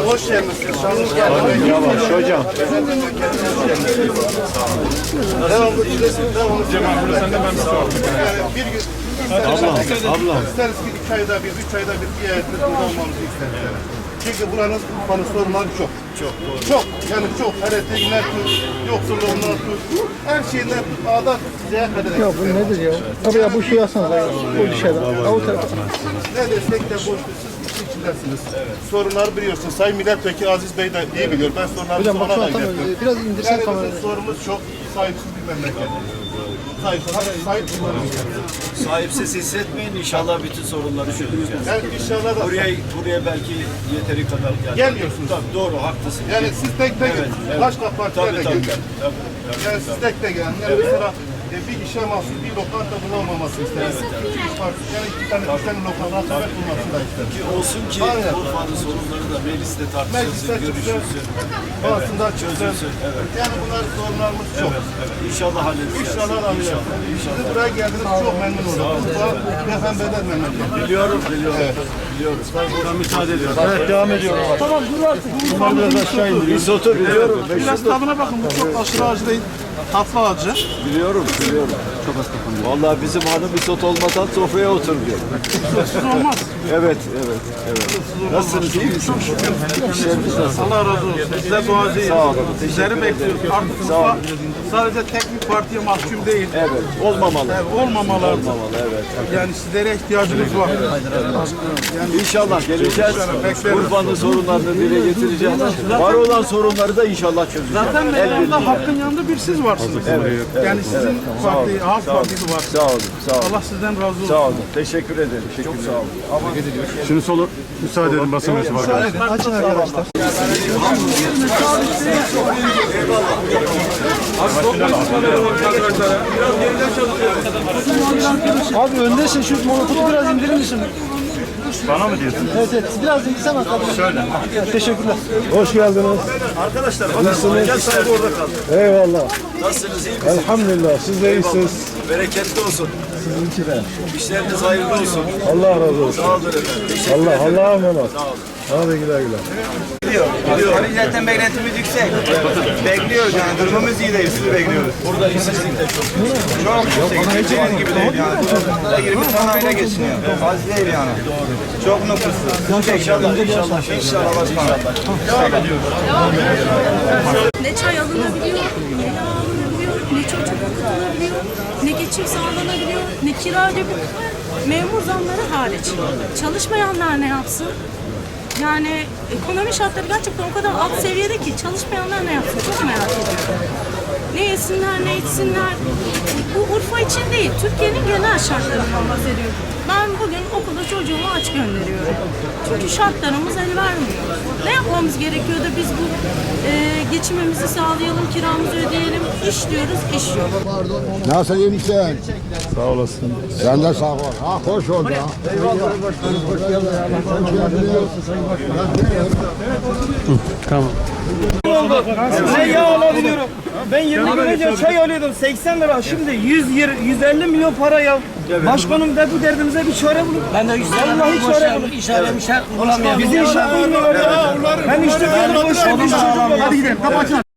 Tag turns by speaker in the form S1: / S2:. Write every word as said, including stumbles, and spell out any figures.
S1: Hoş geldiniz. Şanınız geldi.
S2: Yavaş hocam.
S1: Devamlı çilesin. Devamlı
S3: Cemal burada sen de ben sağ ol.
S1: Yani bir gün
S2: Ablam, ablam.
S1: isteriz ki iki ayda bir, üç ayda bir bir yerde burada olmamızı isteriz. Yani. Çünkü buranın Urfa'nın sorunları çok. Çok doğru. Çok. Yani çok. Heretiğinden tut, yoksulluğundan tut, her şeyinden tut, ağdan tut, size kadar.
S4: Ya bu nedir ya? Tabii ya bu şey yazsanız ya. Bu şeyden. O tarafa.
S1: Ne desek de boştur. Siz işin içindesiniz. Evet. Sorunları biliyorsunuz. Sayın Milletvekili Aziz Bey de iyi biliyor. Ben sorunları
S4: Hocam bak şu
S1: ona
S4: an
S1: da
S4: tam
S1: ilettim.
S4: biraz indirsen
S1: Yani
S4: kamerayı.
S1: bizim sorumuz çok sahipsiz bir memleket. Sahipsiz, sahip kullanıyoruz.
S2: Sahipsiz hissetmeyin, inşallah bütün sorunları çözeceğiz.
S1: Yani inşallah da
S2: Buraya, buraya belki yeteri kadar geldik.
S1: Gelmiyorsunuz.
S2: Tabii doğru, haklısınız.
S1: yani siz tek tek
S2: Evet, evet.
S1: başka partilerle
S2: Tabii, tabii,
S1: gelin.
S2: tabii, tabii.
S1: Yani siz tek tek gelin. Yani mesela e, bir işe mahsus bir lokanta bulunmaması isteriz. İş partisi, yani iki tane, üç tane lokanta hakaret bulmasını da isteriz.
S2: Ki olsun ki
S1: Aynen.
S2: Urfa'nın sorunları da mecliste
S1: Mecliste
S2: tartışılsın,
S1: çıksın,
S2: görüşülsün.
S1: bazısında çıksın.
S2: Çözülsün, evet.
S1: Yani bunlar sorunlarımız çok.
S2: Evet, evet. İnşallah halledeceğiz.
S1: İnşallah alacağız. Siz buraya geldiniz, çok memnun oldum. Urfa peygamberler memleketi.
S2: Biliyorum, biliyorum. Biliyorum. Ben müsaade ediyorum.
S4: Evet devam ediyorum. Tamam dur artık. Bunlar biraz aşağı indiriyor.
S2: Risoto biliyorum.
S4: Biraz tadına bakın. Bu çok aşırı acı değil. Tatlı acı.
S2: Biliyorum, biliyorum. Çok az kapanıyor. Vallahi bizim hanım risot olmadan sofraya oturmuyor.
S4: Siz olmaz.
S2: Evet, evet, evet. Nasılsınız, iyi misiniz? İşleriniz nasıl?
S4: Allah razı olsun. Size duacıyız.
S2: Sağ olun.
S4: Sizleri bekliyoruz. Artık Urfa sadece tek bir partiye mahkum değil.
S2: Evet, olmamalı.
S4: Evet, olmamalı.
S2: Olmamalı, evet.
S4: Yani sizlere ihtiyacımız var. Yani
S2: İnşallah geleceğiz. Urfa'nın sorunlarını dile getireceğiz. Var olan sorunları da inşallah çözeceğiz.
S4: zaten meydanda hakkın yanında bir siz varsınız.
S2: Evet, evet.
S4: Yani sizin parti, Halk Partisi var.
S2: Sağ olun, sağ olun.
S4: Allah sizden razı olsun.
S2: Sağ olun. Teşekkür ederim. Çok sağ olun. Ama
S3: Şimdi solu müsaade edin basın mensubu arkadaşlar.
S4: Açın arkadaşlar. Abi öndesin, şu monotopu biraz indirir misin?
S3: Bana mı diyorsun?
S4: Evet evet, biraz indirsene arkadaşlar. Şöyle. Teşekkürler.
S5: Hoş geldiniz.
S2: arkadaşlar bakın gel sahibi orada kaldı.
S5: Eyvallah.
S2: Nasılsınız, iyi misiniz?
S5: Elhamdülillah. Siz de iyisiniz.
S2: Bereketli olsun.
S5: Sizinki de.
S2: İşleriniz hayırlı olsun.
S5: Allah razı olsun.
S2: Sağ olun efendim. Teşekkür
S5: Allah
S2: ederim.
S5: Allah'a emanet.
S2: Sağ olun.
S5: Hadi güle güle.
S6: Hani zaten beklentimiz yüksek. Bekliyoruz yani durumumuz iyi değil. Sizi bekliyoruz.
S2: Burada işsizlik de çok.
S6: Çok yüksek. Geçeceğiniz gibi değil yani. yirmi tane aile geçiniyor. Az değil yani. Çok nüfuslu.
S2: İnşallah, inşallah, inşallah başkanım.
S7: Ne çay alınabiliyor, ne yağ alınabiliyor, ne çocuk okutulabiliyor, ne geçim sağlanabiliyor, ne kira ödebiliyor. Memur zamları hariç. Çalışmayanlar ne yapsın? Yani ekonomi şartları gerçekten o kadar alt seviyede ki çalışmayanlar ne yapsın çok merak ediyorum. Ne yesinler, ne içsinler. Bu Urfa için değil, Türkiye'nin genel şartlarından bahsediyorum. Ben bugün okula çocuğumu aç gönderiyorum. Çünkü şartlarımız el vermiyor. Ne yapmamız gerekiyor da biz bu e, geçimimizi sağlayalım, kiramızı ödeyelim. İş diyoruz, iş yok.
S5: Nasıl iyi misin? Sağ olasın. Sen de sağ ol. Ha hoş ol ya. Eyvallah. Hoş geldin.
S4: Tamam.
S8: Ben yağ alabiliyorum. Ben yirmi gün önce çay alıyordum seksen lira. Şimdi yüz yüz elli milyon para ya. Başkanım da bu derdimize bir çare bulun. Ben de Vallahi çare bulun.
S4: İşare mişare bulamıyorum.
S8: Bizi işe bulmuyor ya. Ben işte böyle boş ver. Hadi gidelim. Kapatın.